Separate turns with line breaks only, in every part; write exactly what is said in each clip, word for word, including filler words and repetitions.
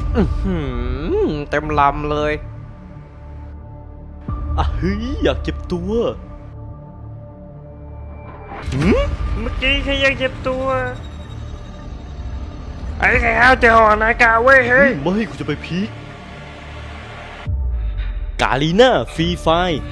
อื้อหือเต็มลำเลยอ่ะเฮ้ยอยากเจ็บตัวหืม
เมื่อกี้แค่ยังเจ็บตัวไอ้แค่เอาเจอหอนากาเว้ยเฮ้ย
ไม่กูจะไปพีคกาลีน่าฟรีไฟ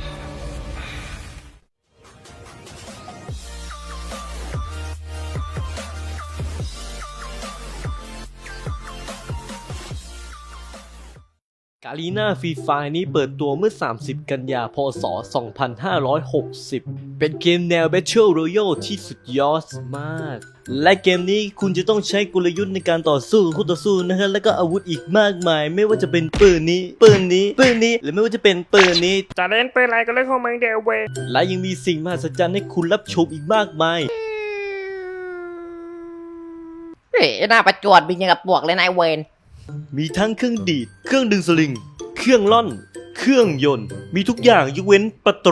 กาลีน่าฟรีไฟนี้เปิดตัวเมื่อ สามสิบ กันยายน พ.ศ. สองพันห้าร้อยหกสิบ เป็นเกมแนว Battle Royale ที่สุดยอดมาก และเกมนี้คุณจะต้องใช้กลยุทธ์ในการต่อสู้คู่ต่อสู้นะฮะแล้วก็อาวุธอีกมากมาย ไม่ว่าจะเป็นปืนนี้ ปืนนี้ ปืนนี้ หรือไม่ว่าจะเป็นปืนนี้
จะเล่นเป็นอะไรก็เล่นของมึงเดียวเว้ย
และยังมีสิ่งมหัศจรรย์ให้คุณรับชมอีกมากมาย
เฮ้ยหน้าประจวดบินยังกับปวกเลยนายเวน
มีทั้งเครื่องดีด เครื่องดึงสลิง เครื่องล่อน เครื่องยนต์ มีทุกอย่างยกเว้นประตู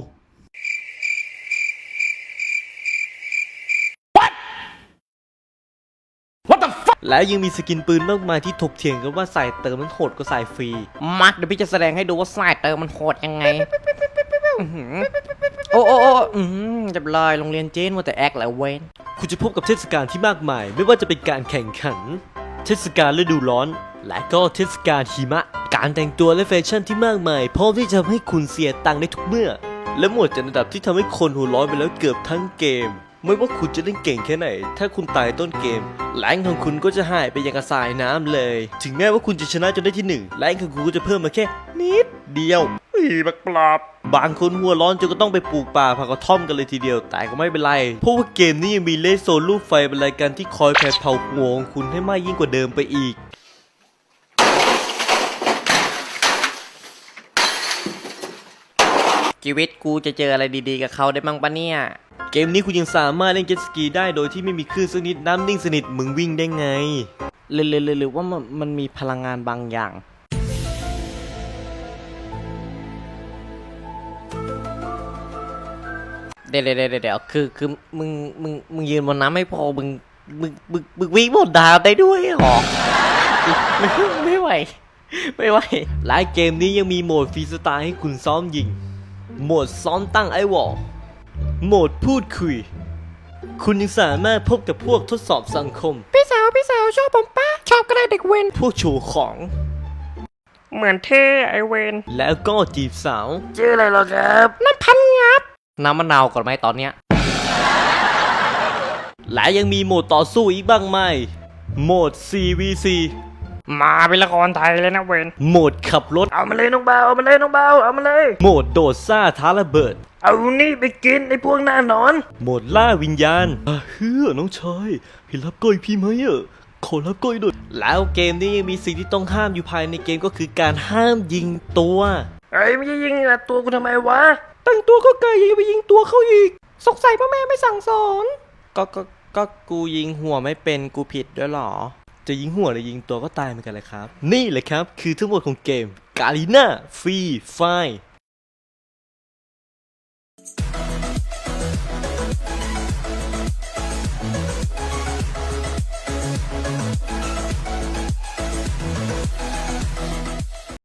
และยังมีสกินปืนมากมายที่ถกเถียงกันว่าใส่เติมมันโหดกว่าใส่ฟรี
มักเดี๋ยวพี่จะแสดงให้ดูว่าสายเติมมันโหดยังไงอื้อหือโอ้โอ้โอ้อืมจะลอยโรงเรียนเจนว่าแต่แอคแหละเวน
คุณจะพบกับเทศกาลที่มากมาย ไม่ว่าจะเป็นการแข่งขัน เทศกาลฤดูร้อน และก็เทศกาลหิมะ การแต่งตัวและแฟชั่นที่มากมายพร้อมที่จะทำให้คุณเสียตังค์ได้ทุกเมื่อ และหมวดจัดอันดับที่ทำให้คนหัวร้อนไปแล้วเกือบทั้งเกม ไม่ว่าคุณจะเล่นเก่งแค่ไหน ถ้าคุณตายต้นเกมแรงของคุณก็จะหายไปอย่างกระสายน้ำเลย ถึงแม้ว่าคุณจะชนะจนได้ที่หนึ่งแรงของคุณก็จะเพิ่มมาแค่นิดเดียว
อีบักปลอบ
บางคนหัวร้อนจนก็ต้องไปปลูกป่าผักกระท่อมกันเลยทีเดียวแต่ก็ไม่เป็นไรเพราะว่าเกมนี้ยังมีเลสโซนลูกไฟเป็นรายการที่คอยแผดเผาหัวของคุณให้มากยิ่งกว่าเดิมไปอีก
ชีวิตกูจะเจออะไรดีๆกับเขาได้บ้างปะเนี่ย
เกมนี้คุณยังสามารถเล่นเจ็ตสกีได้โดยที่ไม่มีคลื่นสักนิดน้ำนิ่งสนิทมึงวิ่งได้ไง
หรือหรือหรือหรือว่ามันมันมีพลังงานบางอย่างเดี๋ยวเดี๋ยวเดี๋ยวเดี๋ยวคือคือมึงมึงมึงยืนบนน้ำไม่พอมึงมึงมึงมึงวิ่งบนดาวได้ด้วยเหรอไม่ไม่ไหวไม่ไหว
และเกมนี้ยังมีโหมดฟรีสไตล์ให้คุณซ้อมยิงโหมดซ้อมตั้งไอวอลโหมดพูดคุย คุณยังสามารถพบกับพวกทดสอบสังคม
พี่สาวพี่สาวชอบผมป้าชอบก็ได้เด็กเวน
พวกโชว์ของ
เหมือนเท่ไอเวน
แล้วก็จีบสาว
ชื่ออะไรหรอครับ
นั่นพันงับน้ำมะนาวก่อนไหมตอนเนี้ย
และยังมีโหมดต่อสู้อีกบ้างไหมโหมด ซี วี ซี
มาเป็นละครไทยเลยนะเวน
โหมดขับรถ
เอามาเลยน้องเบาเอามาเลยน้องเบาเอามาเลย
โหมดโดดซ่าท้าระเบิด
เอานี่ไปกินไอ้พวกหน้านอน
โหมดล่าวิญญาณอ่ะเฮ้อน้องชายเห็นรับก้อยพี่ไหมอ่ะขอรับก้อยหน่อยแล้วเกมนี้ยังมีสิ่งที่ต้องห้ามอยู่ภายในเกมก็คือการห้ามยิงตัว
ไอ้ไม่ใช่ยิงอะตัวกูทำไมวะ
แต่งตัวก็ไกลยังไปยิงตัวเขาอีก
สงสัยพ่อแม่ไม่สั่งสอนก็ก็ก็กูยิงหัวไม่เป็นกูผิดด้วยหรอ
จะยิงหัวหรือยิงตัวก็ตายเหมือนกันเลยครับ นี่แหละครับคือทั้งหมดของเกม Garena Free Fire